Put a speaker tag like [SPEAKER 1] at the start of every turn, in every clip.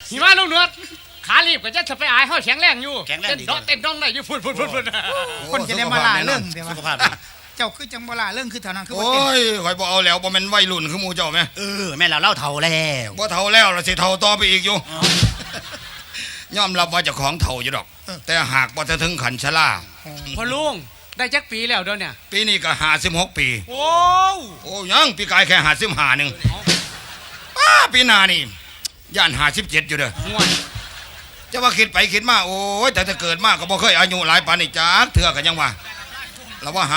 [SPEAKER 1] หิมะลูกเนื้อขารีบก็จะไปอายเฮาแข็งแรงอยู่
[SPEAKER 2] แข็งแรงดี
[SPEAKER 1] เต้นดองได้อยู่พุ่น
[SPEAKER 3] คนจะได้มาล่าเรื่องเดี๋ยว
[SPEAKER 2] สุขภาพ
[SPEAKER 3] เจ้าคือจังบ่ล่าเรื่องคือเท่านั้นคือบ่
[SPEAKER 4] โอ้
[SPEAKER 3] เต้น
[SPEAKER 4] ยข่อยบ่เอาแล้วบ่แม่นวัยรุ่นคือหมู่เจ้าแม่
[SPEAKER 2] แม่เราเล่าเท่าแล้ว
[SPEAKER 4] บ่เฒ่าแล้วล่ะสิเฒ่าต่อไปอีกอยู่ยอมรับว่าเจ้าของเฒ่าอยู่ดอก แต่หากบ่ถึงขันชรา
[SPEAKER 1] พ่อลุงได้จักปีแล้วเดี๋ยวเนี่ย
[SPEAKER 4] ปีนี้ก็56ปี
[SPEAKER 1] โอ้
[SPEAKER 4] โอ้ยังปีกายแค่55นึงปีหน้านี่ย่าน57อยู่เด้อ
[SPEAKER 1] ห่วย
[SPEAKER 4] จะว่าคิดไปคิดมาโอ้ยแต่เกิดมาก็บ่เคยอายุหลายปานนี้จักเทื่อก็ยังว่าเราว่า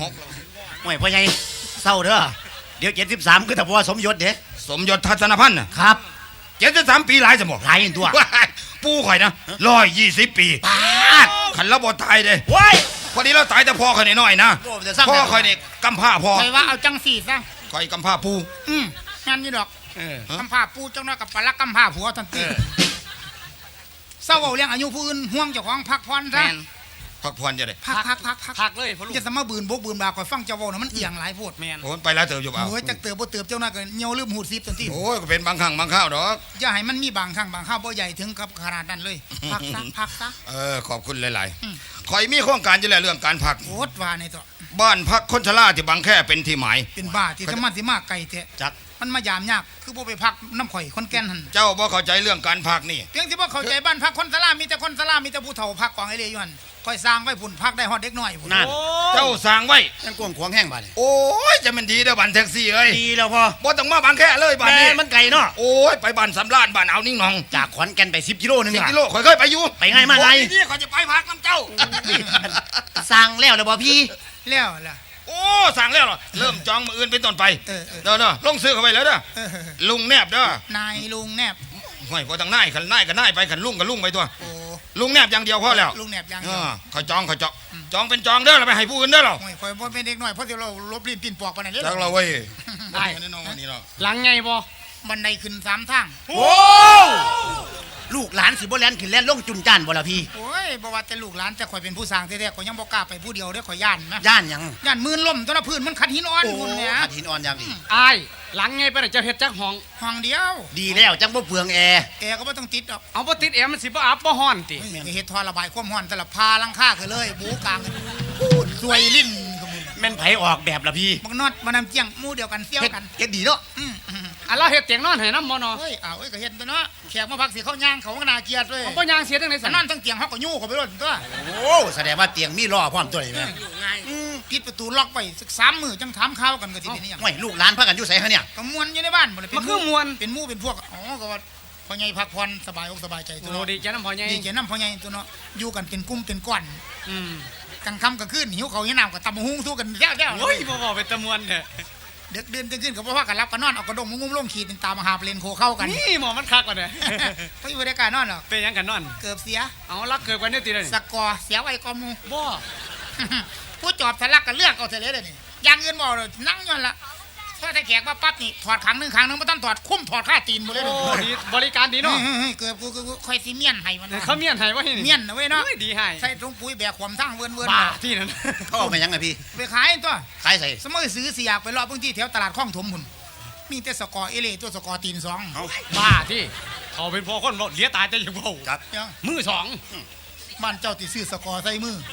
[SPEAKER 4] 56
[SPEAKER 2] ห่วยพ่อใหญ่เศร้าเด้อเดี๋ยว73คือแต่พ่อสมยศเด้
[SPEAKER 4] สมยศทัศนพันธ์น่ะ
[SPEAKER 2] ครับ
[SPEAKER 4] 73ปีหลายสมอง
[SPEAKER 2] หลายตัว
[SPEAKER 4] ปู่ข่อยนะ120 ปี
[SPEAKER 2] ปาด
[SPEAKER 4] ขันเราบ่ตายเด้
[SPEAKER 2] ว้าย
[SPEAKER 4] พอดีเราตายแต่พ่อข่อยน้อยๆนะ
[SPEAKER 2] โอ้จะสร้าง
[SPEAKER 4] พ่อข่อยนี่กำพร้าพ่อ
[SPEAKER 3] ไปว่าเอาจังสี่ซะ
[SPEAKER 4] ข่อยกำพร้าปู่
[SPEAKER 3] งั้นนี่ดอก
[SPEAKER 1] เออ
[SPEAKER 3] กำพร้าปูจังน้อยกับปลาลักกำพร้าผัวทันทีเศร้าเอาเรื่องอายุผู้อื่นห่วงเจ้าของพักผ่อนซะ
[SPEAKER 4] พักผ่อนจะได้
[SPEAKER 3] พัก
[SPEAKER 1] เลยพ่อลุง
[SPEAKER 3] จะสมาบืนบกบืนบาคอยฟังเจ้าเว้านะมันเอียงหลายโพด
[SPEAKER 1] แมน
[SPEAKER 4] โอ้ยไปแล้วเติบอยู่เปล่า
[SPEAKER 3] โอ้ยจักเติบบ่เติบเจ้าน้อยก็เหี่ยวลืมหูดซิบทันที
[SPEAKER 4] โอ้ยก็เป็นบางครั้งบางคราวดอก
[SPEAKER 3] อย่าให้มันมีบางครั้งบางคราวบ่ใหญ่ถึงกับขนาดนั้นเลยพักซะ
[SPEAKER 4] ขอบคุณหลายๆข่อยมีโครงการอยู่แล้วเรื่องการพัก
[SPEAKER 3] โคตรว่าในตัว
[SPEAKER 4] บ้านพักคนชราที่บางแค่เป็นที่หมาย
[SPEAKER 3] เป็นบ้าที่สมันสิมาไกลแท้
[SPEAKER 2] จัก
[SPEAKER 3] มันมายามยากคือบ่ไปพักน้ำข่อยคนแก่นหั่น
[SPEAKER 4] เจ้าบ่เข้าใจเรื่องการพักนี่
[SPEAKER 3] เพียงที่บ่เข้าใจบ้านพักคนสลามีแต่คนสลามีแต่ผู้เฒ่าพักกองไอ้เลยอยู่หั่นค่อยสร้างไว้พุ่นพักได้ฮอดเด็กน้อยพุ่น
[SPEAKER 2] นั่น
[SPEAKER 4] เจ้าสร้างไว้
[SPEAKER 2] ยังกวงขวางแห้งบ้าน
[SPEAKER 4] โอ้ยจะมันดีเด้อบ้านแท็กซี่เอ้ย
[SPEAKER 2] ดีแล้วพ่อ
[SPEAKER 4] บ่ต้องมาบางแค่เลยบ้าน
[SPEAKER 2] แม่
[SPEAKER 4] นี้
[SPEAKER 2] มันไกลเนาะ
[SPEAKER 4] โอ้ยไปบ้านสำราญบ้านเอานิ่งหนอง
[SPEAKER 2] จากขอนแก่นไป10 กิโลนึง
[SPEAKER 4] 10
[SPEAKER 2] อะ
[SPEAKER 4] กิโลข่อยเคยไปอยู่
[SPEAKER 2] ไปไงมาไง
[SPEAKER 4] โอ้ยนี่ข่อยจะไปพักน้ำเจ้า
[SPEAKER 2] สร้างแล้วเลยบ่พี่
[SPEAKER 3] แล้วล่ะ
[SPEAKER 4] โอ้สั่งแล้วเหรอเริ่มจองมืออื่นเป็นต้นไป
[SPEAKER 3] เออ
[SPEAKER 4] เด้อลงซื้อเข้าไปแล้วเด้อ
[SPEAKER 3] เออ
[SPEAKER 4] ลุงแนบเด้อน
[SPEAKER 3] ายลุงแนบ
[SPEAKER 4] ห่วยพอทางนายขันนายก็นายไปขันลุงก็ลุงไปตัว
[SPEAKER 3] โอ้
[SPEAKER 4] ลุงแนบอย่างเดียวพอแล้ว
[SPEAKER 3] ลุงแนบยัง
[SPEAKER 4] ข่อยจองจองเป็นจองเด้อเราไปให้ผู้อื่นเด้อเรา
[SPEAKER 3] โอ้ยข่อยบ่เป็นเด็กน้อยเพราะเดี๋ยวเราลบลิ้นปิ่นปอกปานนั้นเด้
[SPEAKER 4] จักเราเว้ย
[SPEAKER 1] ได้
[SPEAKER 4] แน่นอนวันนี้เรา
[SPEAKER 1] หลังไงบ่
[SPEAKER 3] บันไดขึ้น3ทาง
[SPEAKER 2] โอ้ลูกหลานสิบ่แล่นขึ้นแล่นลงจุนจ้านบ่ล่ะพี่
[SPEAKER 3] โอ้ยบ่ว่าแต่ลูกหลานแต่ข่อยเป็นผู้สร้างแท้ๆข่อยยังบ่กล้าไปผู้เดียวเด้อข่อยย่านนะ
[SPEAKER 2] ย่านหยัง
[SPEAKER 3] ย่านมืนล่มตัวละพื้นมันขัดหินอ่อน
[SPEAKER 2] โอ้
[SPEAKER 3] พุ่นเนี่ย
[SPEAKER 2] ขัดหินอ่อนอย่างดี
[SPEAKER 1] อายหลังไงไปได้เจ้าเฮ็ดจักห้อง
[SPEAKER 3] ห้องเดียว
[SPEAKER 2] ดีแล้วจังบ่เปลืองแอร์
[SPEAKER 3] แอร์ก็บ่ต้องติดดอก
[SPEAKER 1] เอาบ่ติดแอร์มันสิบ่อับบ่ฮ้อนติ
[SPEAKER 3] เฮ้ยเฮ็ดท่อระบายความร้อนแต่ละพาหลังคาคือเลยบูกลางพูดสวยลิ้นก็มึง
[SPEAKER 2] แม่นไผออกแบบล่ะพี่
[SPEAKER 3] บักนอดมานำเจียงหมู่เดียวกันเซี่ยวกัน
[SPEAKER 2] เฮ็ดดีเนาะ
[SPEAKER 1] อันเราเฮ็ดเตียงนอนให้นำบ่เนาะ
[SPEAKER 3] เฮ้ยอ้าวเอ้ยก็เฮ็ดตัวเนาะแขกมาพักสิเขาย่างเขาก็น่าเกลียดเลย
[SPEAKER 1] เอาบ่ย่างเสียจังได๋
[SPEAKER 3] ส
[SPEAKER 1] สั่น
[SPEAKER 3] นอนทั้งเตียงเขาก็ยู่เขาไปรถตัว
[SPEAKER 2] โอ้แสดงว่าเตียงมีล้อพร้อมตัวนี่แม่
[SPEAKER 3] ปิดประตูล็อกไว้สัก3 มื้อจังถามข่าวกันก็สิเป็นอีหยัง
[SPEAKER 2] ห่วยลูกหลานพากันอยู่ไสฮะเนี่ย
[SPEAKER 3] ก็ม่วนอยู่ในบ้านบ่ได้เป็
[SPEAKER 1] มัน นคือมวน
[SPEAKER 3] เป็นหมู่เป็นพวกอ๋อก็ว่าพ่อใหญ่พักผ่อนสบายอกสบายใจตัว
[SPEAKER 1] โอ้
[SPEAKER 3] เนาะ
[SPEAKER 1] ดีใจนำพ่อใหญ่
[SPEAKER 3] ดีแก่น้ำพ่อใหญ่ตัวเนาะอยู่กันเป็นกลุ่มเป็นก้อน
[SPEAKER 1] อืม
[SPEAKER 3] กลางค่ำกลางคืนหิวเขาวหิวน้ำก็ตำบักหุ่งสู้กันแย่ๆ
[SPEAKER 1] โอ้ยบ่บอกเป็นตะมวนเด้อ
[SPEAKER 3] เด็กเดินขึ้นก็บ่ว่ากันรับกันนอนเอากระดงงุ้มลงขีดเป็นตามหาเปลนโคเข้ากัน
[SPEAKER 1] นี่หมอมันคักกว่าเด้อ
[SPEAKER 3] เพราะอยู่ในการนอนหรอก
[SPEAKER 1] เป็นหยังกันนอน
[SPEAKER 3] เกือบเสีย
[SPEAKER 1] เอาลักเกิดกว่านี้ติเด้อ
[SPEAKER 3] สกอร์เสียไว้กอมู
[SPEAKER 1] บ่
[SPEAKER 3] ผู้จอบทะลักกันเลือกเอาเสียเลยเดี๋ยวนี้อย่างอื่นบ่เลยนั่งย้อนละพอถ้าแขกมาปั๊บนี่ถอดครั้งหนึงไม่ต้องถอดคุ้มถอดค่าตีนหมดเลย
[SPEAKER 1] โอ้
[SPEAKER 3] เดี๋ยวนี้
[SPEAKER 1] ดีบริการดีเนาะ
[SPEAKER 3] เฮ้ยเกือบกูคอยซีเมียนให้มัน
[SPEAKER 1] เขาเมียนให้ไว้นี่
[SPEAKER 3] เมียนนะเว้ยเนาะ
[SPEAKER 1] โอ้ดีให้
[SPEAKER 3] ใส่ถุงปุ๋ยแบกขวมทั้งเวินๆ
[SPEAKER 1] บ้า
[SPEAKER 3] น่ะ
[SPEAKER 1] ที่นั่น
[SPEAKER 2] เขาเอามายังไงพี่
[SPEAKER 3] ไปขายตัว
[SPEAKER 2] ขายใส่
[SPEAKER 3] สมัยซื้อสิอยากไปรอบพื้นที่แถวตลาดคลองถมหุ่นมีแต่สกอร์เอเล่ตัวสกอร์ตีนสอง
[SPEAKER 1] บ้าที่เขาเป็นพ่อคนบ่เหลียตายแต่ยังบ่
[SPEAKER 2] ครับ
[SPEAKER 3] เดี๋ยว
[SPEAKER 1] มือสอง
[SPEAKER 3] บ้านเจ้าติซื้อสกอร์ใส่มือ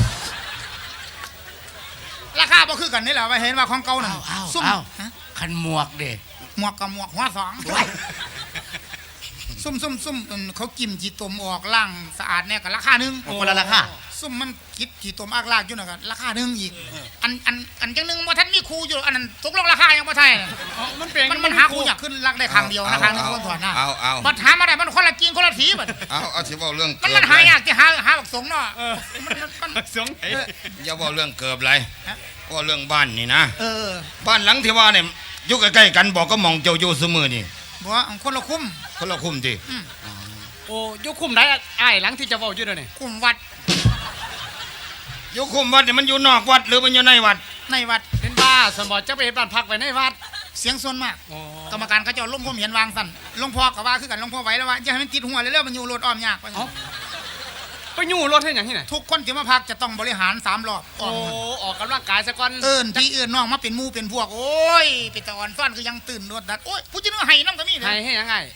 [SPEAKER 3] ราคาบ่คือกันนี่แหละว่าเห็นว่าของเก่านั่นซุ่มฮะ
[SPEAKER 2] คันหมวกเด้
[SPEAKER 3] หมวกกับหมวกหัวสองซุ่มเขากิมจีตมออกล่างสะอาดเนี่ยก็ราคาหนึง
[SPEAKER 2] คนละราคา
[SPEAKER 3] ซุ่มมันคิดจีตมอากลากอยู่น่ะก็ราคาหนึงอีกอันจังหนึงบ่ทันมีครูอยู่อันนั้นตกลงราคายังบ่ไทย
[SPEAKER 1] มันเป็น
[SPEAKER 3] มันหาครูอยากขึ้นรักได้ครั้งเดียวนะครั้งนึงคนถอดหน้า
[SPEAKER 4] เอา
[SPEAKER 3] บัดหามาได้มันคนละกินคนละสีบัด
[SPEAKER 4] เอาสิเว้าเรื่อง
[SPEAKER 3] มันหายากที่หาบักสงเนาะมัน
[SPEAKER 1] สงไอ้
[SPEAKER 4] อย่าเว้าเรื่องเกิบไรว่าเรื่องบ้านนี่นะ
[SPEAKER 3] เออ
[SPEAKER 4] บ้านหลังที่ว่าเนี่ยอยู่ใกล้ๆกันบอกก็มองเจ้าอยู่เสมอนี่
[SPEAKER 3] บ่อันคนละคุ้ม
[SPEAKER 4] คนละคุ้มที่
[SPEAKER 1] โอ้ยกคุมได้อ้ายหลังที่จะเว้าอยู่เด้อนี่
[SPEAKER 3] คุ้มวัด
[SPEAKER 4] อยู่คุ้มวัดนี่มันอยู่นอกวัดหรือมันอยู่ในวัด
[SPEAKER 3] ในวัด
[SPEAKER 1] เป็นบ้าสมบ่จะไปเฮ็ดบ้านพักไว้ในวัด
[SPEAKER 3] เสียงส่วนมาก
[SPEAKER 1] โอ้
[SPEAKER 3] กรรมการเขาเจ้าลงความเห็นวางสั่นหลวงพ่อก็ว่าคือกันหลวงพ่อไหวแล้วว่าอย่าให้มันติดหัวเลยเร็วมันอยู่รถอ้อมยาก
[SPEAKER 1] เอ้าไปยู่รถให้หยังที่ไหน
[SPEAKER 3] ทุกคนที่มาพักจะต้องบริหาร3รอบอ้
[SPEAKER 1] โอ้
[SPEAKER 3] อม
[SPEAKER 1] ออกกำลังกายซะก่อน
[SPEAKER 3] เอิ้นพี่เอิ้นน้องมาเป็นหมู่เป็นพวกโอ้ยเป็นตะอ่อนซ่อนคือยังตื่นรถดัดโอ้ยผู้จินึกให้นำก็มี
[SPEAKER 1] ให้ให้ยังไง
[SPEAKER 3] ห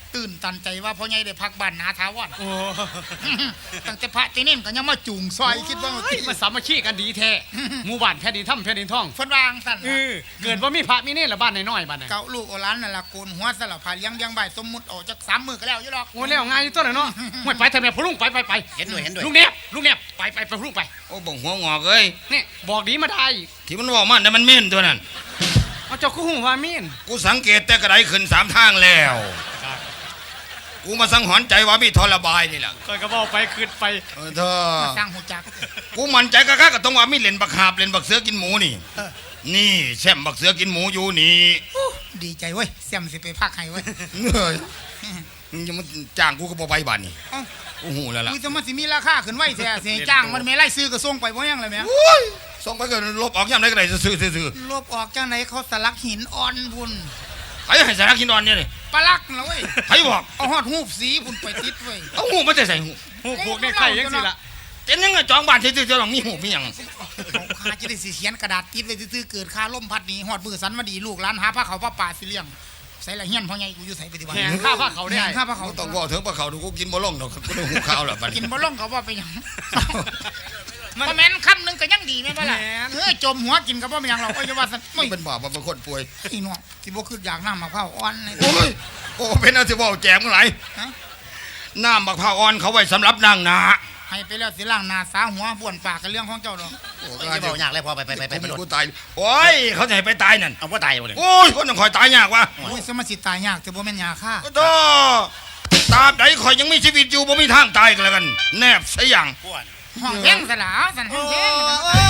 [SPEAKER 3] ตื่นตันใจว่าพ่อใหญ่ได้พักบ้านนาทาวอน
[SPEAKER 1] โอ้
[SPEAKER 3] ตั้งแต่พระตีเน่นก็ยังมาจุงซอยคิดว่า
[SPEAKER 1] เฮ้ยมาสามัคคีกันดีแท้หมู่บ้านแผ่นดินถ้ำแผ่นดินทอง
[SPEAKER 3] เพิ่นวางสั่น
[SPEAKER 1] เกิดว่ามีพระมีเนรละบ้านน้อยๆบ้านน่ะ
[SPEAKER 3] เก่าลูกโอหลานนั่นล่ะโกนหัวสลับผ้าเลี้ยงเลี้ยงใบสมมุติออกจาก3 มื้อก็แล้วอยู่ดอก
[SPEAKER 1] โอ้แล้วง่ายอยู่ตัวน่ะเนาะห่วยไปทำไมพ่อลุงไป
[SPEAKER 2] เห็นด้วยเห็นด้วย
[SPEAKER 1] ลุงเนบไปพ่อลุงไป
[SPEAKER 4] โอ้บ่งหัวงอกเอ้ย
[SPEAKER 1] นี่บอกดีมาได้
[SPEAKER 4] ที่มันบอกมันแต่ะมันเม่นตัวนั้น
[SPEAKER 1] เอาเจ้าคู่หูว่ามีน
[SPEAKER 4] กูสังเกตแต่กระไดขึ้น3ทางแล้วกูมาสังหรณ์ใจว่ามีทรบายนี่แหละ
[SPEAKER 1] คอยก็บอกไปขึ้นไป
[SPEAKER 4] เธอ
[SPEAKER 3] มาสร้างหูจัก
[SPEAKER 4] กูมั่นใจกะก็ต้องว่ามีเล่นบักหาบเล่นบักเสือกินหมูนี่ นี่แช่มบักเสือกินหมูอยู่นี่
[SPEAKER 3] ดีใจเว้ยเสี่ยมสิไปพักให้เว้ย
[SPEAKER 4] เฮ้ยมึงจะมาจ้างกูก็บ่ไปบ้านนี่
[SPEAKER 3] เอ้า
[SPEAKER 4] กูหูแล้วล่ะ
[SPEAKER 3] อุ้ยจะมาสิมีราคาขึ้นไว้แท้สิจ้างมันไม่ไล่ซื้อก็ส่งไปบ่ยังเลยแม่
[SPEAKER 4] โอ้ยส่งไปก็ลบออกย่ำไหนก็ได้ซื้อ
[SPEAKER 3] ลบออกจังไหนเขาสลักหินอ่อนพุ่น
[SPEAKER 4] ใครให้สาระกินนอนเนี่ยนี่
[SPEAKER 3] ปลาลักนะเว้ย
[SPEAKER 4] ใครบอก
[SPEAKER 3] เอาฮอดหูบสีพุ่นไปติดเว้ย
[SPEAKER 4] เอาหูมาจะใส่หู
[SPEAKER 1] หูพวกในไข่ยังสิละ
[SPEAKER 4] เต็นยังไงจองบ้านซื่อๆจะต้องมีหูมีหยัง
[SPEAKER 3] เอาค่าจะได้สิเขียนกระดาษติดไว้ซื่อๆเกิดค่าล่มพัดหนี้ฮอดมือสันมาดีลูกหลานหาผ้าเขาวผ้าป่าสิเลี้ยงใส่ละเฮียนพ่อใหญ่กูอยู่ใส่ปฏิบัติ
[SPEAKER 1] แหงข้าพระเขาได้
[SPEAKER 3] แหงข้าพระเขา
[SPEAKER 4] เขาต้องบอกถึงปลาเขาดูกูกินบ่ลงดอกกูต้องหูข้าวแล้วบัด
[SPEAKER 3] กิ
[SPEAKER 4] นี้
[SPEAKER 3] นบ่ลงเขาว่าไปหยังบ่แม่นคำหนึงก็ยังดีแม่นบ่ล่ะจมหัวกินก็บ่เป็นหยังหรอกก็จะว่าซั่นโอ้ย
[SPEAKER 4] เป็นบาปเป็นคนป่วย
[SPEAKER 3] อีน้องสิบ่คืออยากน้ำมะพร้าวอ่อนเลย
[SPEAKER 4] โอ้ยโอ้เป็นอะไรที่ว่าแจมกันไหลาย
[SPEAKER 3] ฮะ
[SPEAKER 4] น้ำบักพร้าวอ่อนเขาไว้สำหรับนางนา
[SPEAKER 3] ให้ไปแล้วสิล้างหน้าสาหัวบ้วนปากกันเรื่องของเจ้าดอก
[SPEAKER 4] โอ้
[SPEAKER 2] ไม่ได้บอกยากเลยพอไปโดด
[SPEAKER 4] กูตายโอ้ยเขาจะให้ไปตายนั่น
[SPEAKER 2] เอาว่าตายหมดเลย
[SPEAKER 4] โอ้ยคนต้องคอยตายยากวะ
[SPEAKER 3] โอ้ยสมาสิตายยากแต่บ่แม่นยาฆ่า
[SPEAKER 4] โตตราบใดคอยยังมีชีวิตอยู่บ่มีทางตายกันแล้วกัน แนบซะอย่าง
[SPEAKER 3] ห้องแห้งซะล่ะสั่นห้องแห้ง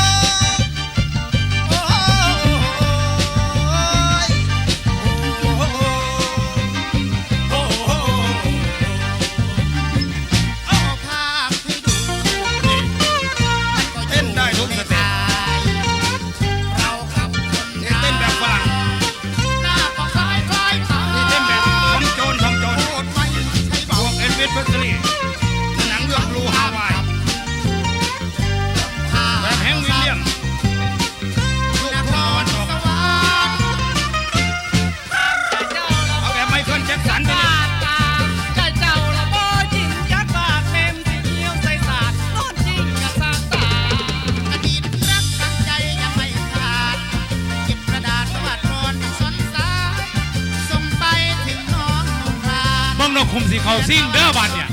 [SPEAKER 3] เอาภาพให้ดู
[SPEAKER 4] เต้นได้ทุกสเต็ป
[SPEAKER 3] เรากับคน
[SPEAKER 4] นี่เต้นแบบฝรั่ง
[SPEAKER 3] หน้าปากซ้ายคล้ายขา
[SPEAKER 4] นี่เต้นแบบทำโจร
[SPEAKER 3] โคตรไม่ใช่
[SPEAKER 4] พ
[SPEAKER 3] เบาว
[SPEAKER 4] กเอ็นวิสเพอร์สลีหนังเรื่องบลูฮาวายแบบแฮงค์วิลเลียมลูกทุ่งตะวันตกเอาแบบไมเคิลแจ็คสันไปเลย
[SPEAKER 1] เจ้าละบ่จริงยัดปากเต็มที่เหี่ยวใส่สาดนอนจริงกะสร้างตา
[SPEAKER 3] อดีตรักตั้งใจยังไม่ขาดเก็บกระดาษวาดรอนสนสาส่งไปถึงน้องนุ่งพราน
[SPEAKER 1] บังนกคุมสีเขาซิ่งเด้อบ้านเนี่ย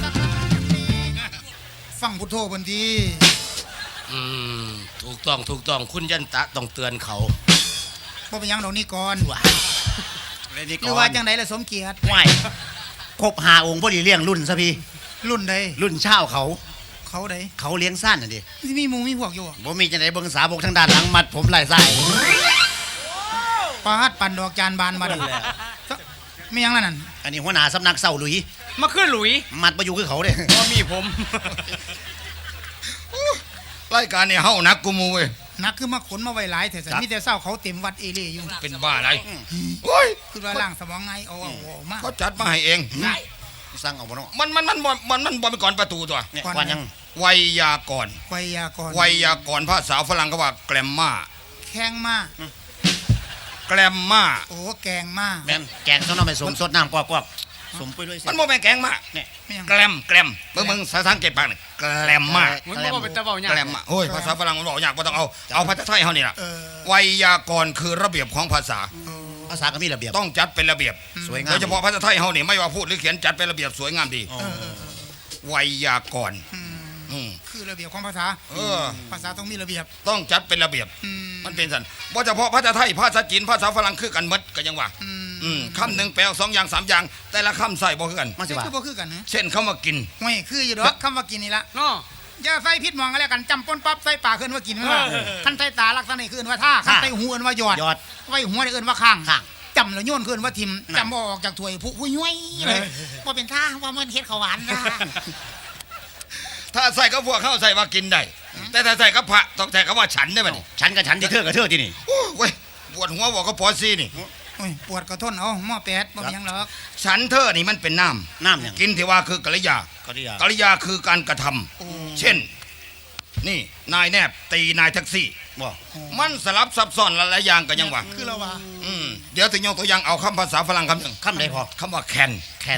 [SPEAKER 3] ฟังพุทโธบนที
[SPEAKER 2] ถูกต้องคุณยันตะต้องเตือนเขา
[SPEAKER 3] บ่เป็นหยังดอกนี่ก่อน
[SPEAKER 2] เลยนี่
[SPEAKER 3] ห
[SPEAKER 2] ก่
[SPEAKER 3] รือ
[SPEAKER 2] อ
[SPEAKER 3] ว่าน จังไดล่ะสมเกียรติ
[SPEAKER 2] ไหวครบ5 องค์พอดีเลี้ยงรุ่นซะพี่
[SPEAKER 3] รุ่นใด
[SPEAKER 2] รุ่นเช่าเขา
[SPEAKER 3] เขาใด
[SPEAKER 2] เขาเลี้ยงสั้นน่ะดิ
[SPEAKER 3] สิมีหมู่มีพวกอยู่บ่
[SPEAKER 2] บ่มีจังไดเบิ่งสาบกทางด้านหลังมัดผมไหล่ไส้
[SPEAKER 3] ปาดปั่นดอกจานบานมาดันไม่หยังนั่น
[SPEAKER 2] อันนี้หัวหน้าสำนักเศร้าหลุย
[SPEAKER 1] มาขึ้นหลุย
[SPEAKER 2] มัดบ่อยู่คือเขาเด้
[SPEAKER 1] บ่มีผม
[SPEAKER 4] รายการเนี่ยเฮานักกูมูเว้ย
[SPEAKER 3] นักคือมาขนมาไว้หลายแต่สันมีแต่เศร้าเขาเต็มวัดเอเล่อยู่
[SPEAKER 4] เป็นบ้าอะไรโอ้ย
[SPEAKER 3] คือว่าล่างสมองไงเอามา
[SPEAKER 4] เขาจัดมาให้เอง
[SPEAKER 2] สั่งเอาบ่เนาะ
[SPEAKER 4] มันบ่เป็นก่อนประตูตัว
[SPEAKER 2] เนี่ยก่อนยัง
[SPEAKER 4] ไวยากรณ์
[SPEAKER 3] ไวยากรณ์
[SPEAKER 4] ไวยากรณ์ภาษาฝรั่งก็ว่าแกรมมา
[SPEAKER 3] แข้งมา
[SPEAKER 4] แกรมมา
[SPEAKER 3] โอ้แกงมา
[SPEAKER 2] แม่นแกงต้องเอาไปสมสดน้ำกอกๆสมไปด้วยสิ
[SPEAKER 4] มันบ่แม่นแกงมา
[SPEAKER 2] เนี่ย
[SPEAKER 3] ไม่หยัง
[SPEAKER 4] แกรมมึงภาษาอังกฤษปากนี่แกรมมา
[SPEAKER 1] มันบ่เป็นตะเว้าหยัง
[SPEAKER 4] แกรมมาโอ้ยภาษาฝรั่งมันบอกยากบ่ต้องเอาภาษาไทยเฮานี่ล่ะ
[SPEAKER 3] เออ
[SPEAKER 4] ไวยากรณ์คือระเบียบของภาษา
[SPEAKER 2] ภาษาก็มีระเบียบ
[SPEAKER 4] ต้องจัดเป็นระเบียบ
[SPEAKER 2] สวยงาม
[SPEAKER 4] โดยเฉพาะภาษาไทยเฮานี่ไม่ว่าพูดหรือเขียนจัดเป็นระเบียบสวยงามดี
[SPEAKER 2] อ๋อ
[SPEAKER 4] ไวยากรณ์อืม
[SPEAKER 3] คือระเบียบของภาษา
[SPEAKER 4] เออ
[SPEAKER 3] ภาษาต้องมีระเบียบ
[SPEAKER 4] ต้องจัดเป็นระเบียบ
[SPEAKER 3] อืม
[SPEAKER 4] มันเป็นสันว่าเฉพาะภาษาไทยภาษาจีนภาษาฝรั่งคือกันหมดก็ยังว่า คำหนึ่งแปลสองอย่างสามอย่าง แต่ละคำใส่บ่คือกัน
[SPEAKER 2] มาสิ
[SPEAKER 3] นี่
[SPEAKER 2] ว่า
[SPEAKER 3] คือบ่คือกันนะ
[SPEAKER 4] เช่นคำว่ากิน
[SPEAKER 3] ห่วยคืออยู่ดอกคำว่ากินนี่ละ
[SPEAKER 1] เนาะ
[SPEAKER 3] อย่าใส่พิษมองกันแล้วกันจำปนปั๊บใส่ปากขึ้นว่ากินไม่ว่าคันใส่ตาลักษณะนี้คือว่าท่าคันใส่หูเอิ้นว่าหยอด
[SPEAKER 2] ยอด
[SPEAKER 3] ไว้หัวนี่เอิ้นว่าข้าง
[SPEAKER 2] ข้าง
[SPEAKER 3] จำแล้วโยนขึ้นว่าทิม
[SPEAKER 2] นั่น
[SPEAKER 3] จำบ่ออกจากถ้วยผู้ย้วยเลยว่าเป็นท่าว่ามันเฮ็ดข้าวหวานนะ
[SPEAKER 4] ถ้าใส่กับพวกเข้าใส่ว่ากินได้ แต่ถ้าใส่กับพระต้องใส่กับว่าฉันได้ป่ะนี่
[SPEAKER 2] ฉันกับฉันที่เธอกับเธอที่นี่
[SPEAKER 4] โอ้ยเว้ยปวดหัวบอกก็ปอซี่นี่
[SPEAKER 3] โอ้ยปวดกระท้นเอาหม้อแปดบ่มีหยังหรอก
[SPEAKER 4] ฉันเธอนี่มันเป็นน้
[SPEAKER 2] น้ำเนี่ย
[SPEAKER 4] ำกินที่ว่าคือกริยา
[SPEAKER 2] ก็ดีอ่ะ
[SPEAKER 4] กริยาคือการกระทำเช่น นี่นายแนบตีนายแท็กซี่
[SPEAKER 2] บ่
[SPEAKER 4] มันสลับซับซ้อนหลายๆอย่างกันยังว่า
[SPEAKER 3] คือเราว่า
[SPEAKER 4] เดี๋ยวถึงยกตัวอย่างเอาคำภาษาฝรั่งคำหนึ่ง
[SPEAKER 2] คำใดพอ
[SPEAKER 4] คำว่าแคน
[SPEAKER 2] แคน
[SPEAKER 3] แ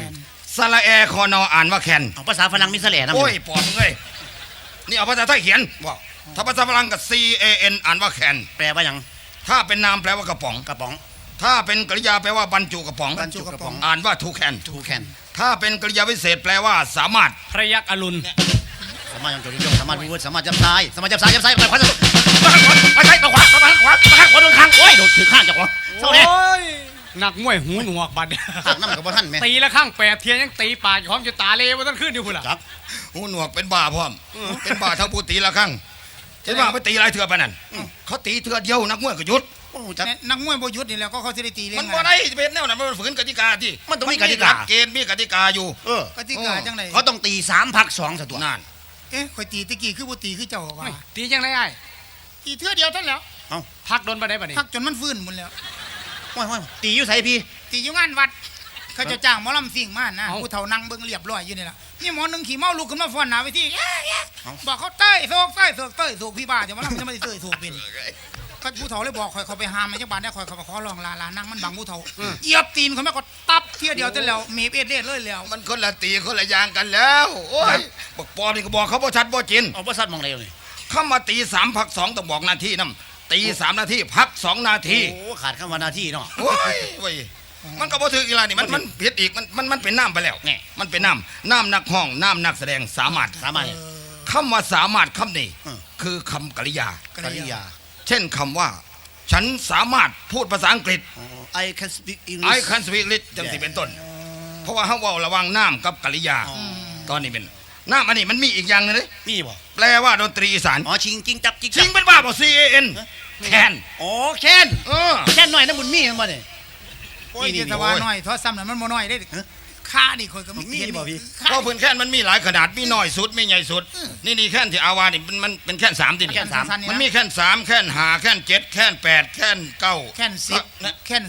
[SPEAKER 4] สระแอคอนออ่านว่าแคน
[SPEAKER 2] เอาภาษาฝรั่งมีแสลนะ
[SPEAKER 4] โอ้ยปอดมึงเอ้ยนี่เอาภาษาไทยเขียนบอกถ้าภาษาฝรั่งกับ CAN อ่านว่าแคน
[SPEAKER 2] แปลว่าหยัง
[SPEAKER 4] ถ้าเป็นนามแปลว่ากระป๋อง
[SPEAKER 2] กระป๋อง
[SPEAKER 4] ถ้าเป็นกริยาแปลว่าบรรจุกระป๋อง
[SPEAKER 2] บรรจุกระป๋อง
[SPEAKER 4] อ่านว่าทูแคน
[SPEAKER 2] ทูแคน
[SPEAKER 4] ถ้าเป็นกริยาวิเศษแปลว่าสามารถ
[SPEAKER 1] พระยักษ์อรุณ
[SPEAKER 2] สามารถยังจดยงสามารถพูดสามารถจับซ้ายสามารถจับซ้ายจับซ้ายไปขวาไปใช่ไปขวาไปขวาไปข้างขวาโดนข้างโอ้ยโดนถือข้างจากหัวเศร้า
[SPEAKER 1] โอ้
[SPEAKER 2] แน่
[SPEAKER 1] ยนักมวยหูหนวกบัด
[SPEAKER 2] ข้างน้ำกับบ่ท่านแม่
[SPEAKER 1] ตีละข้างแปดเทียนยังตีปากอยู่พร้อมจะตาเลวตั้งขึ้นอยู่พุ่นล่ะ
[SPEAKER 2] จัก
[SPEAKER 4] หูหนวกเป็นบ้าพร้อมเป็นบ้าเท่าผู้ตีละครั้งเห็นว่าไปตีหลายเถื่อไปนั่นเขาตีเถื่อเดียวนักมวยก็หยุด
[SPEAKER 2] โอ้จัก
[SPEAKER 3] นักมวยบ่หยุดนี่แหล้วก็เขาสิได้ตีเล่
[SPEAKER 4] มัน
[SPEAKER 3] น
[SPEAKER 4] บ่ได้เป็นแนวนั้นมันฝืนกติกาที่
[SPEAKER 2] มันต้องมีกติกา
[SPEAKER 4] หลัเกณฑ์มีกติกาอยู่
[SPEAKER 3] กติกาจังได๋
[SPEAKER 2] เขาต้องตี3พัก2ซะตัว
[SPEAKER 4] นั่น
[SPEAKER 3] เอ๊ะข่อยตีตะกี้คือบ่ตีคือเจ้าว่า
[SPEAKER 1] เฮ้ยตีจังไรไอ้
[SPEAKER 3] ตีเทื่อเดียวเท่านั้นแหล้ว
[SPEAKER 1] พักโดนไปได้ปะนี่
[SPEAKER 3] พักจนมันฟื้นหมดแล้ว
[SPEAKER 2] โอ้ยตีอยู่ไสพี่
[SPEAKER 3] ตีอยู่งานวัด เขาจะจ้างหมอลำสิ่งมานะผู้เฒ่านั่งเบิ่งเรียบร้อยอยู่นี่ล่ะนี่หมอหนึงขี่เมาลุกขึ้นมาฟ้อนหน้าเวทีบอกเขาเต้ยโศกพี่บ้าจะมาลำจะไม่ได้เต้ยโศกเป็นก็ผู้เฒ่าเลยบอกข่อยเขาไปหามมันจังบาดได้ข่อยเขาขอร้องลานั่งมันบังผู้เฒ่าเหยียบตีนเขาไม่ก็ตับเที่ยเดียวเท่าแล้วเมฟเอ็ดเล็ดเลยแล้ว
[SPEAKER 4] มันคนละตีคนละอย่างกันแล้วโอ้ยบอกปอนี่ก็บอกเขาบ่ชัดบ่จิน
[SPEAKER 2] เอาบ่ซัดมองได้เลย
[SPEAKER 4] เข้ามาตี3พัก2ต้องบอกนาทีนํตี3นาทีพัก2นาที
[SPEAKER 2] โอ้ขาดคำว่าหน้าที่เนาะ
[SPEAKER 4] โอ้ยเว้ยมันก็บ่ถืออีหลานี่มันผิดอีกมันเป็นน้ำไปแล้ว
[SPEAKER 2] แน่
[SPEAKER 4] มันเป็นน้ำนักห้องน้ำนักแสดงสามารถ
[SPEAKER 2] สามารถ
[SPEAKER 4] คำว่าสามารถคำนี้
[SPEAKER 2] อืม
[SPEAKER 4] คือคำกริยา
[SPEAKER 2] กริยา
[SPEAKER 4] เช่นคำว่า ฉันสามารถพูดภาษาอังกฤษ
[SPEAKER 2] I can speak English
[SPEAKER 4] I can speak English จังสิเป็นต้น เพราะว่าเขาเว่าระหวังน้ำกับกริยา ตอนนี้เป็นน้ำอันนี้มันมีอีกอย่างหนึงเลย
[SPEAKER 2] มีบ่
[SPEAKER 4] แปลว่าดนตรีอีสาน
[SPEAKER 2] อ๋อชิงจิงจับจิง
[SPEAKER 4] ชิ
[SPEAKER 2] จั
[SPEAKER 4] งเป็นบ้าบ่ CAN แคน
[SPEAKER 2] อ๋อแค้น แค่นหน่อยนะบุญมีมันบ่เนี่ย
[SPEAKER 3] โอ้ย
[SPEAKER 2] นี่
[SPEAKER 3] เจตว่าน้อยทอดซ้ำน่ะมันบ่น้อยได้ค่านี่ข่อยก็มี
[SPEAKER 2] มีบ่พี่
[SPEAKER 4] เพราะพื้นแคนมันมีหลายขนาดมีน้อยสุดมีใหญ่สุดนี่แคนที่อาวานี่มันเป็นแคน3ติ
[SPEAKER 2] แค่นสาม
[SPEAKER 4] มันมีแค่น3แค่น5แค่น7แค่น8แค่น9
[SPEAKER 3] แค่น10แค่น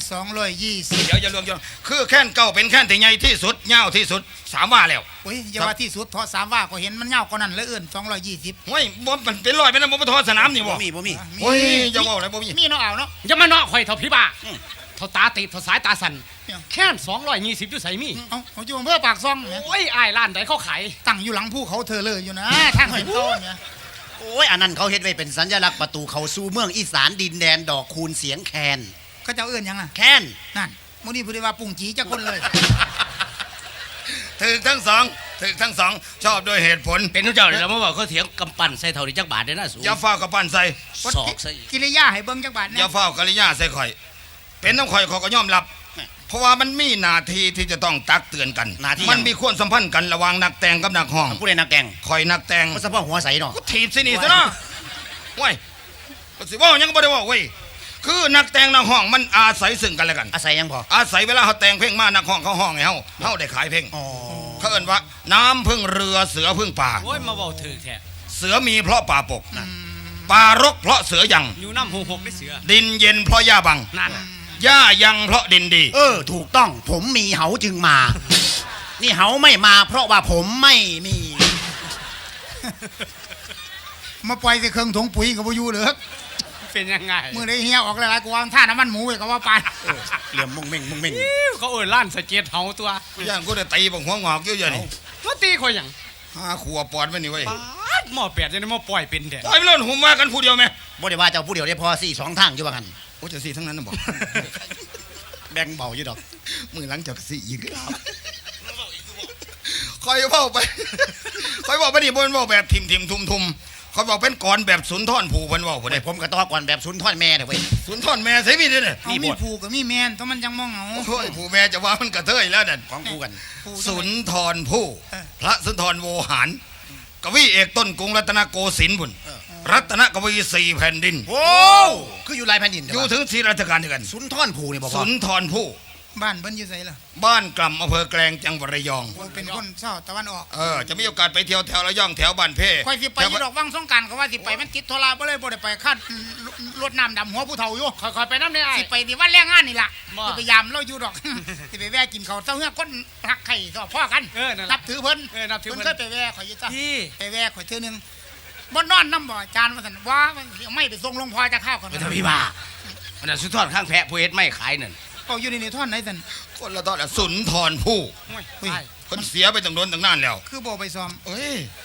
[SPEAKER 3] 220
[SPEAKER 4] เดี๋ยวอย่ารวมคือแค่น9เป็นแค่นที่ใหญ่ที่สุดยาวที่สุด3ว่าแล้ว
[SPEAKER 3] โอ้ยอย่าว่าที่สุดทอด3ว่าก็เห็นมันยาวกว่านั้นเลยเอิ้น220
[SPEAKER 4] โอ้ยบ่มันเป็นร้อยเป็นนะบ่ทอดสนามนี่บ่
[SPEAKER 2] บ่มี
[SPEAKER 4] โอ้ยอย่าบอกเลยบ่มี
[SPEAKER 3] มีเนาะเอาเนาะ
[SPEAKER 1] จะมาเนาะข่อยเท่าพี่บ้าเท่าตาตีบเท่าสายตาสั่น
[SPEAKER 3] เนี่ย
[SPEAKER 1] แค่220อยู่ใส่มี
[SPEAKER 3] เอาอยู่อำเภอปากซ่องเนี่ย
[SPEAKER 1] โอ้ยอ้ายร้านใดเขาขาย
[SPEAKER 3] ตั้งอยู่หลังภูเขาเธอเลยอยู่นะทางเห็นโตเนี่ย
[SPEAKER 2] โอ้ยอันนั้นเขาเฮ็ดไว้เป็นสัญลักษณ์ประตูเข้าสู่เมืองอีสานดินแดนดอกคูณเสียงแคน
[SPEAKER 3] เขาจะเอื้อนหยังอ่ะ
[SPEAKER 2] แค้น
[SPEAKER 3] นั่นมื้อนี้ผู้ใดว่าปุ่งจีจักคนเลย
[SPEAKER 4] ถึกทั้งสองชอบด้วยเหตุผล
[SPEAKER 5] เป็นทุกเจ้าเลยแล้วมาบอกเขาเถียงกำปั้นใส่เท่านี้จักบาทได้น่าสูง
[SPEAKER 4] อย่าเฝ้ากับปั้นใส่
[SPEAKER 5] ศอกใส่
[SPEAKER 3] กิริยาให้เบิ่งจักบาท
[SPEAKER 4] อ
[SPEAKER 3] เนี่
[SPEAKER 4] ย่าย เฝ้ากริยาใส่ข่อย เป็นน้ำข่อยเขาก็ยอมรับ เพราะว่ามันมีหน้าที่ที่จะต้องตักเตือนกัน
[SPEAKER 2] หน้าที่
[SPEAKER 4] มันมีความสัมพันธ์กันระหว่างนักแต่งกับนักห้อง
[SPEAKER 2] ผู้ใดนักแกง
[SPEAKER 4] ข่อยนักแต่ง
[SPEAKER 2] ก็เฉพาะหัวใสเนาะ
[SPEAKER 4] ก็ถีบสินี่ซะเนาะว้ยก็สิเว่าหยังก็บ่ได้เว่าเว้ยคือนักแต่งนักห้องมันอาศัยซึ่งกันและกัน
[SPEAKER 2] อาศัยยังพอ
[SPEAKER 4] อาศัยเวลาเขาแต่งเพลงมานักห้องเขาห้องให้เฮาได้ขายเพลง
[SPEAKER 2] อ๋อ
[SPEAKER 4] เขาเอิ้นว่า น้ำพึ่งเรือเสือพึ่งป่า
[SPEAKER 1] โอ้ยมาบอกถือแท้
[SPEAKER 4] เสือมีเพราะป่าปกป่ารกเพราะเสือยัง
[SPEAKER 1] อยู่น้ำหกได้เสือ
[SPEAKER 4] ดินเย็นเพราะหญ้าบัง
[SPEAKER 1] นั่น
[SPEAKER 4] หญ้ายังเพราะดินดี
[SPEAKER 2] ถูกต้องผมมีเหาจึงมา นี่เหาไม่มาเพราะว่าผมไม่มี
[SPEAKER 3] มาปล่อยใส่เครื่องถุงปุ๋ยก็บ่อยู่เหลือ
[SPEAKER 1] เป็นยังไง
[SPEAKER 3] มื้อใดเฮียออกหลายๆกูว่าท่าน้ำมันหมูไว้ก็ว่าปาน
[SPEAKER 2] เหลี่ยมมุงเม่งมุงเม่ง
[SPEAKER 1] เขาเอิ้นร้านสเก็ตเฮาตัว
[SPEAKER 4] ย่างกูได้ตีบังหัวงอกเยอะๆนี่
[SPEAKER 1] ตัวตีข่อยหยัง
[SPEAKER 4] หาขัวปอดไว้นี่เว้ย
[SPEAKER 1] ปาดหม้อแปดจะได้หม้อปล่อยเป็นแท้
[SPEAKER 4] ปล่อยไปเลยหุ่มว่ากันผู้เดียวไหม
[SPEAKER 2] บ่ได้ว่าเจ้าผู้เดียวได้พอ4-2ทางอยู่ว่างั้น
[SPEAKER 4] โอ้จะสี่ทั้งนั้นนะบอก
[SPEAKER 2] แบ่งเบาอยู่ดอก
[SPEAKER 4] มือหลังจากสี่อีกแล้วคอยเว้าไป คอยเว้าไปนี่บนเว้าแบบทิมทุ่มเขาบอกเป็นก่อนแบบสุนทรภูเพิ่นเว้าบ่
[SPEAKER 2] ได้
[SPEAKER 4] ได้
[SPEAKER 2] ผมก็ต่อก่อนแบบสุนทรแม่เด้อเว้ย
[SPEAKER 4] สุนทรแม่ใส่มีเด้อเนี่ย
[SPEAKER 3] เอามีผูกกับมีแมนต้องมันจังมองเอา
[SPEAKER 4] โอ้ยผู้แม่จะว่ามันกระเทยแล้วนั่น
[SPEAKER 2] ของคู่กัน
[SPEAKER 3] ผูก
[SPEAKER 4] สุนทรภู่พระสุนทรโวหาร กวีเอกต้นกรุงรัตนโกสินทร์บุญรัตนกวีสี่แผ่นดิน
[SPEAKER 2] โอ้คืออยู่ลายแผ่นดินเด้
[SPEAKER 4] อยู่
[SPEAKER 2] อ
[SPEAKER 4] ถึงสี่ราชการเดียวกัน
[SPEAKER 2] สุนทรภูนี่บ่พอ
[SPEAKER 4] สุนทรภู่
[SPEAKER 3] บ้านเพิ่นอยู่ไสล่ะ
[SPEAKER 4] บ้านกล่ำอำเภอแกลงจังหวัดระยอง
[SPEAKER 3] โอ้ยเป็นคนเช้าตะวันออก
[SPEAKER 4] จะมีโอกาสไปเที่ยวแถวระยองแถวบ้านเพ่
[SPEAKER 3] ค่อยสิไปอยู่ดอกวังสงกรานต์ก็ว่าสิไปมันติดธุระบ่เลยบ่ได้ไปคาดรถน้ำดำหัวผู้เฒ่าอยู่
[SPEAKER 1] ค่อยๆไปน้ำได้ไอ้
[SPEAKER 3] สิไปที่วันแรงงานนี่ล่ะ
[SPEAKER 1] บ่
[SPEAKER 3] สิไปยามเราอยู่ดอก สิไปแวะกินข้าวเช้าเฮือคนรักไข่ก็พ่อกัน
[SPEAKER 1] นั่น
[SPEAKER 3] นั
[SPEAKER 1] ล่ะ
[SPEAKER 3] บถือเพิ่น
[SPEAKER 1] นับถือเพิ่น
[SPEAKER 3] เคยไปแวะข่อยอยู่จ้ะ
[SPEAKER 1] พี่
[SPEAKER 3] ไปแวะข่อยเทื่อนึงบ่นอนนำบ่อาจารย์ว่าซั่นว่ามันสิเอาไม่ไปส่งหลวงพ่อจะข้าวก่อน
[SPEAKER 5] เป็นทพี่บ้ามันน่ะสุดทอดข้างแพะผู้เฮ็ดไม่ขายนั่น
[SPEAKER 3] ก็อยู่ในท่อนไหนซั่น
[SPEAKER 4] คนละตอนสุนทรภู่
[SPEAKER 1] โอ้ย
[SPEAKER 3] เฮ้ย
[SPEAKER 1] ไอ้
[SPEAKER 4] คนเสียไปตั้งโดนตั้งนานแล้ว
[SPEAKER 3] คือบ่ไปซ้อม
[SPEAKER 4] เอ้ย